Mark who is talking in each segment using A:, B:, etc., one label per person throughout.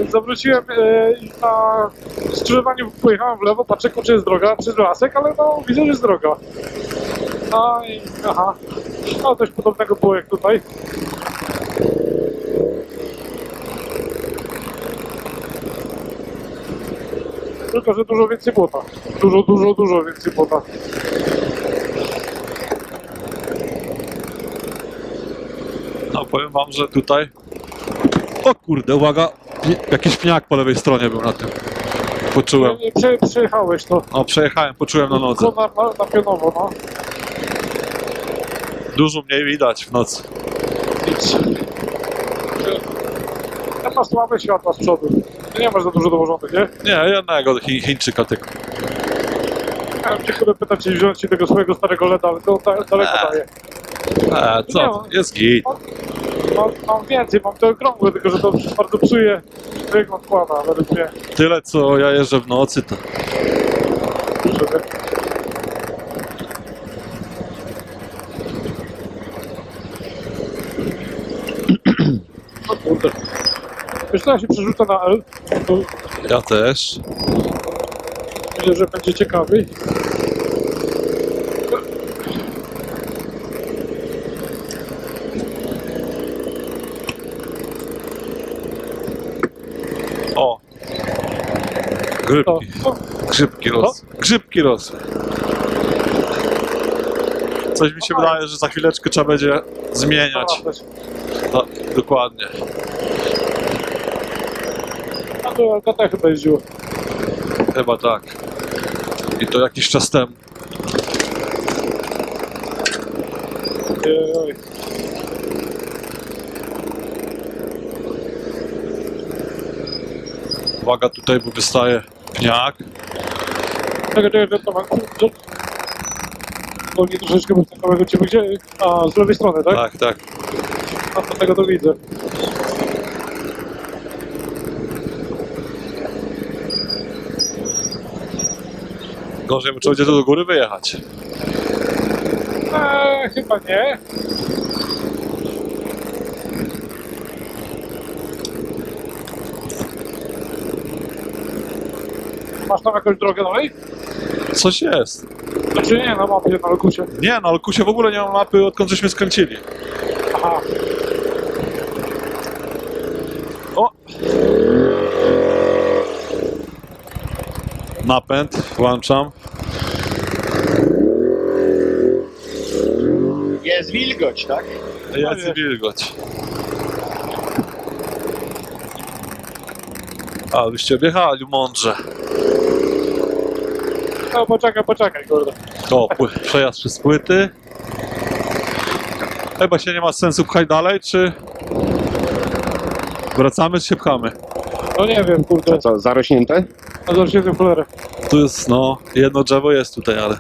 A: Zawróciłem i na skrzyżowaniu pojechałem w lewo, patrzę, czy jest droga przez lasek, ale no widzę, że jest droga. No i aha, no coś podobnego było jak tutaj. Tylko, że dużo więcej błota. Dużo więcej błota.
B: No powiem wam, że tutaj... O kurde, uwaga! Jakiś pniak po lewej stronie był na tym. Poczułem.
A: Przejechałeś to.
B: No przejechałem, poczułem na nodze.
A: Na pionowo, no.
B: Dużo mniej widać w nocy.
A: Nic. Ja masz słabe światła z przodu. Nie masz za dużo dołożonych, nie?
B: Nie, jednego Chińczyka tylko.
A: Ja bym cię chyba pytał, czy wziąć ci tego swojego starego LEDa, ale to daleko daje.
B: Co? Jest git.
A: Mam więcej, mam te okrągłe, tylko że to bardzo psuje wygląd kłada, według mnie.
B: Tyle co ja jeżdżę w nocy to...
A: Żeby... O kurde. Wiesz co, ja się przerzucę na L, to
B: Ja też.
A: myślę, że będzie ciekawiej.
B: O! Grzybki.
A: O,
B: Grzybki rosły. Grzybki rosły. Coś mi się wydaje, że za chwileczkę trzeba będzie zmieniać. No, dokładnie.
A: A to LKT chyba jeździło.
B: Chyba tak. I to jakiś czas temu.
A: Oj.
B: Uwaga, tutaj bo wystaje pniak.
A: Czekaj, bo nie troszeczkę bez takowego ciebie gdzie? A, z lewej strony, tak?
B: Tak, tak.
A: A to tego to widzę.
B: Gorzej, bo trzeba będzie tu do góry wyjechać.
A: Chyba nie. Masz tam jakąś drogę dalej?
B: Coś jest.
A: Znaczy nie, na mapie, na Lokusie.
B: Nie, no Alkusie w ogóle nie ma mapy, odkąd żeśmy skręcili.
A: Aha.
B: O! Napęd, włączam.
C: Jest wilgoć, tak?
B: Jest wilgoć. A, byście objechali mądrze.
A: No poczekaj, kurde.
B: To przejazd przez płyty. Chyba się nie ma sensu pchać dalej, czy wracamy, czy się pchamy?
A: No nie wiem, kurde.
C: Co, zarośnięte?
A: A zobaczcie tę cholerę.
B: Tu jest, no, jedno drzewo jest tutaj, ale...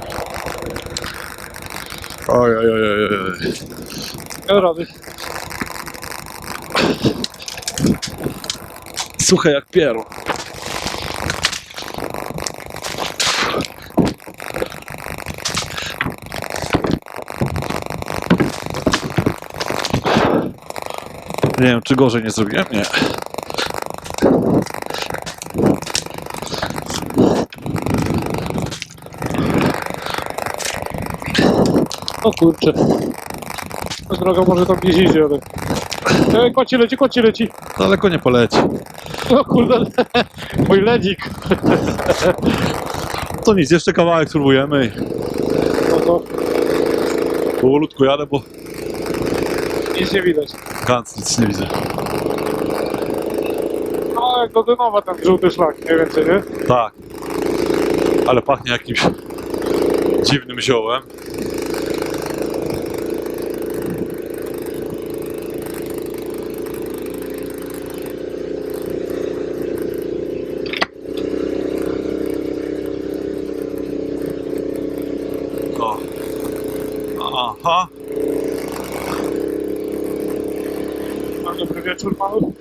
B: Oj.
A: Nie rady.
B: Suche jak pieru. Nie wiem, czy gorzej nie zrobiłem? Nie.
A: O kurczę. Ta droga może tam gdzieś idzie, ale... Koci leci.
B: Daleko nie poleci.
A: O kurde. Mój ledzik.
B: To nic, jeszcze kawałek spróbujemy i
A: No to
B: powolutku jadę, bo
A: nic nie widać.
B: gans nic nie widzę.
A: No jak do Dynowa ten żółty szlak, mniej więcej, nie?
B: Tak. Ale pachnie jakimś dziwnym ziołem. O. Aha.
A: Dobry wieczór panu.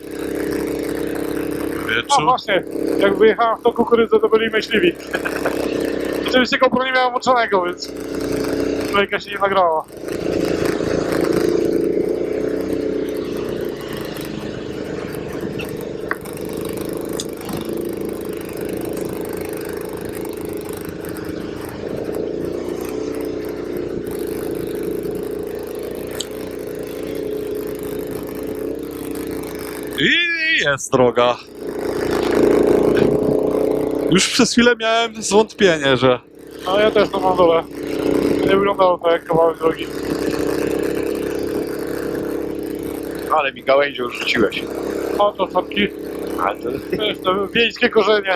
A: A
B: Wieczór.
A: właśnie, jak wyjechałem w tą kukurydzę, to byli myśliwi. Oczywiście GoPro nie miałem włączonego, więc kolejka się nie nagrała.
B: jest droga. Już przez chwilę miałem zwątpienie, że...
A: No ja też to mam dole. Nie wyglądało to jak kawałek drogi.
C: Ale mi gałęzią rzuciłeś.
A: O, to czapki.
C: A to...
A: Wiesz, to wiejskie korzenie.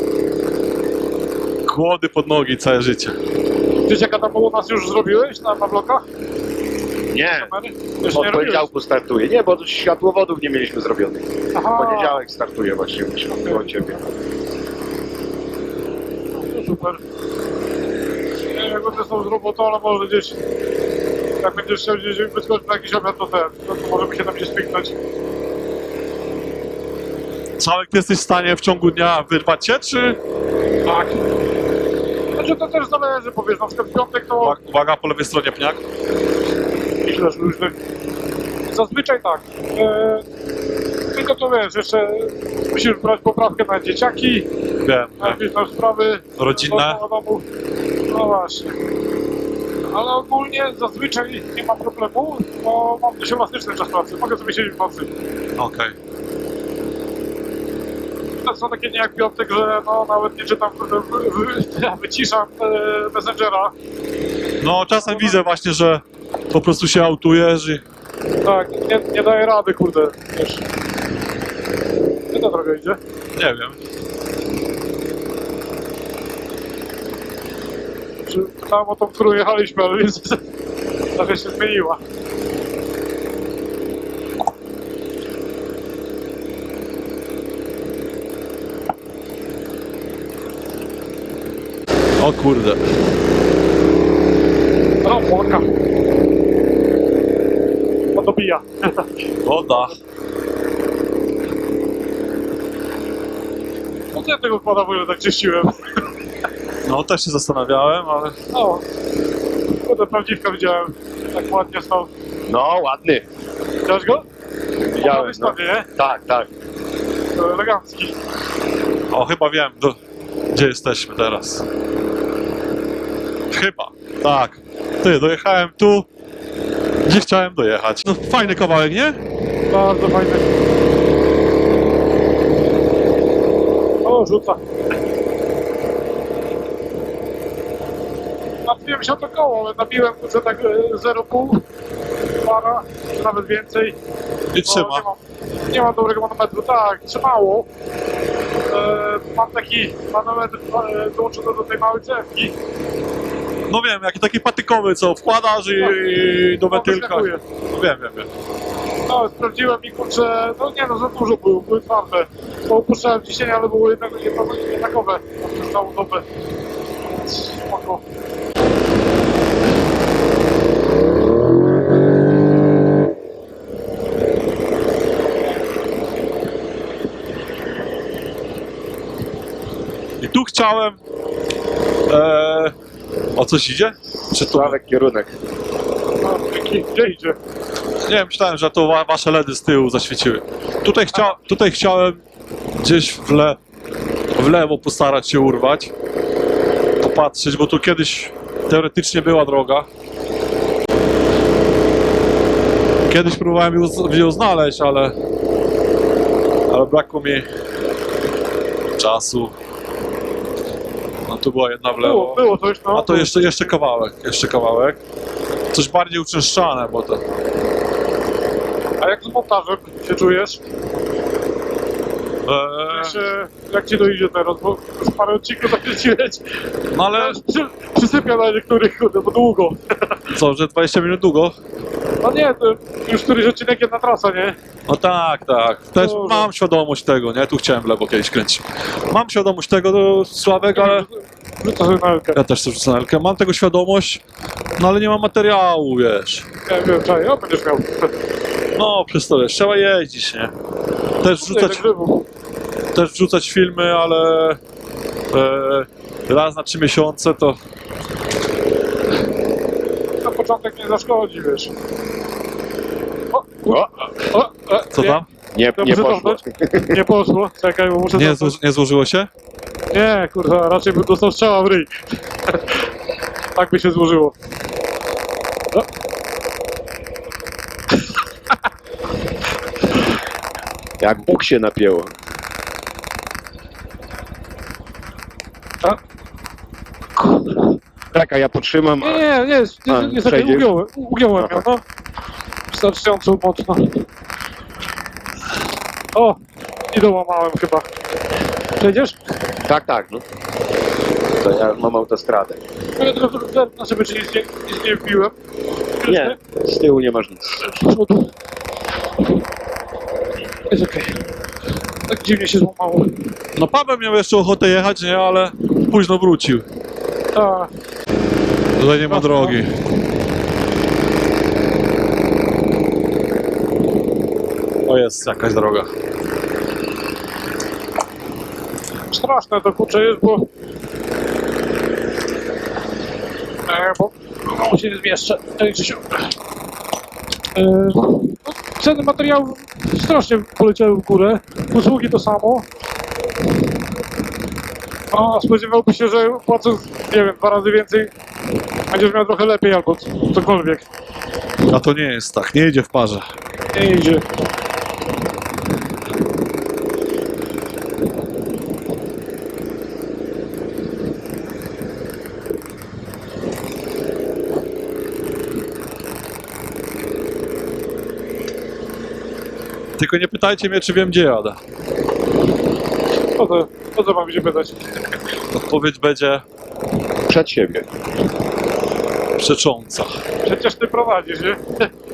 B: Kłody pod nogi całe życie.
A: Dzieciaka tam u nas już zrobiłeś na blokach?
C: Nie,
A: Kamery? Jeszcze
C: od
A: nie robiłeś?
C: poniedziałku startuje. Nie, bo światłowodów nie mieliśmy zrobionych.
A: Aha,
C: W poniedziałek startuje właśnie u ciebie.
A: to super. Nie wiem, jak będę są z robotą, ale może gdzieś... Jak będziesz chciał gdzieś wyskoczyć na jakiś obiad, to możemy się tam gdzieś spiknąć.
B: Czałek, ty jesteś w stanie w ciągu dnia wyrwać się, czy...
A: Tak. Znaczy to też zależy, powiesz, na przykład w piątek to...
B: Uwaga, po lewej stronie pniak.
A: Myślę, że różnych. Zazwyczaj tak. Tylko to wiesz, jeszcze musisz brać poprawkę na dzieciaki,
B: Wiem,
A: na jakieś tam sprawy
B: rodzinne.
A: do domu. No właśnie. Ale ogólnie zazwyczaj nie ma problemu, bo mam dość elastyczny czas pracy. Mogę sobie siedzieć w nocy.
B: Okej.
A: To są takie dni jak piątek, że no nawet nie czytam, wyciszam Messengera.
B: No czasem widzę właśnie, że po prostu się autujesz i...
A: Tak, nie daję rady, kurde, wiesz. Gdzie ta droga idzie?
B: Nie wiem.
A: Czy tam o tą, którą jechaliśmy, ale więc trochę się zmieniła.
B: O kurde.
A: No, płaka. To dobija.
B: Woda.
A: No to ja tego kłada w ogóle tak czyściłem.
B: No też się zastanawiałem, ale...
A: O, kurde, prawdziwka widziałem. Tak ładnie stał.
C: No, ładny.
A: Widziałeś go?
C: Widziałem,
A: W stanie, nie?
C: Tak, tak.
A: To elegancki.
B: O, chyba wiem, gdzie jesteśmy teraz. Chyba, tak. Ty, dojechałem tu, gdzie chciałem dojechać. No fajny kawałek, nie?
A: Bardzo fajny. O, rzuca. Napiłem się o to koło, ale nabiłem że tak 0,5 para, czy nawet więcej.
B: I trzyma.
A: Nie mam dobrego manometru, tak, trzymało. Mam taki manometr dołączony do tej małej cewki.
B: No wiem, jaki taki patykowy, co wkładasz i do wentylka.
A: wyskakuje.
B: No wiem.
A: No, sprawdziłem i kurczę, no nie no, za dużo były twarde. Bo opuszczałem ciśnienie, ale były jednakowe przez całą dobę. Więc spoko.
B: I tu chciałem... o coś idzie? Czy to...
C: Sławek kierunek.
A: No, dzięki. Gdzie idzie?
B: Nie, myślałem, że to wasze LEDy z tyłu zaświeciły. Tutaj chciałem gdzieś w lewo postarać się urwać. Popatrzeć, bo tu kiedyś teoretycznie była droga. Kiedyś próbowałem ją znaleźć, ale brakło mi czasu. No tu była jedna w lewo.
A: Było coś, no.
B: A to jeszcze kawałek. Coś bardziej uczęszczane, bo to...
A: A jak z montażem się czujesz? Jak ci dojdzie teraz, bo z parę odcinków zakręciłeś.
B: No ale
A: Przysypia na niektórych, kurde, bo długo.
B: co, że 20 minut długo?
A: No nie, to już któryś odcinek jedna trasa, nie?
B: No tak. Też
A: Dobrze.
B: mam świadomość tego, nie? Tu chciałem w lewo kiedyś kręcić. Mam świadomość tego, to Sławek, ale
A: Rzucę sobie na Elkę.
B: ja też chcę rzucę na Elkę. Mam tego świadomość, no ale nie mam materiału, wiesz.
A: Ja wiem, czaj, ja będziesz miał.
B: No, przez to wiesz, trzeba jeździć, nie? Też wrzucać filmy, ale raz na 3 miesiące to...
A: Na początek nie zaszkodzi, wiesz.
B: Co tam?
C: Nie
A: Muszę
C: poszło.
A: cofnąć. Nie poszło. Czekaj, bo muszę
B: Nie,
A: cofnąć.
B: nie złożyło się?
A: Nie, kurwa, raczej bym dostał strzała w ryj. Tak by się złożyło.
C: Jak Bóg się napięło.
A: A?
C: Czekaj, ja potrzymam.
A: Nie,
C: A,
A: niestety
C: przejdziesz?
A: ugiąłem ją,
C: Aha.
A: no. Wystarczająco mocno. O, i dołamałem chyba. Przejdziesz?
C: Tak, no. To ja mam autostradę.
A: Ja tylko zerknę sobie, czy nic nie wbiłem.
C: Nie, z tyłu nie masz nic.
A: Z przodu. Jest okej. Tak dziwnie się złamało.
B: No Paweł miał jeszcze ochotę jechać, nie, ale późno wrócił.
A: A,
B: Tutaj nie ma drogi. O, jest jakaś droga.
A: straszne to kurczę jest, bo bo się nie zmieszczę. Krzysiu. No, ceny materiałów strasznie poleciały w górę. Usługi to samo. A spodziewałby się, że płacąc, nie wiem, 2 razy więcej będziesz miał trochę lepiej albo cokolwiek.
B: A to nie jest tak, nie idzie w parze.
A: Nie idzie.
B: Tylko nie pytajcie mnie, czy wiem, gdzie jadę.
A: O co mam się pytać?
B: Odpowiedź będzie
C: Przed siebie.
B: przecząca.
A: Przecież ty prowadzisz, nie?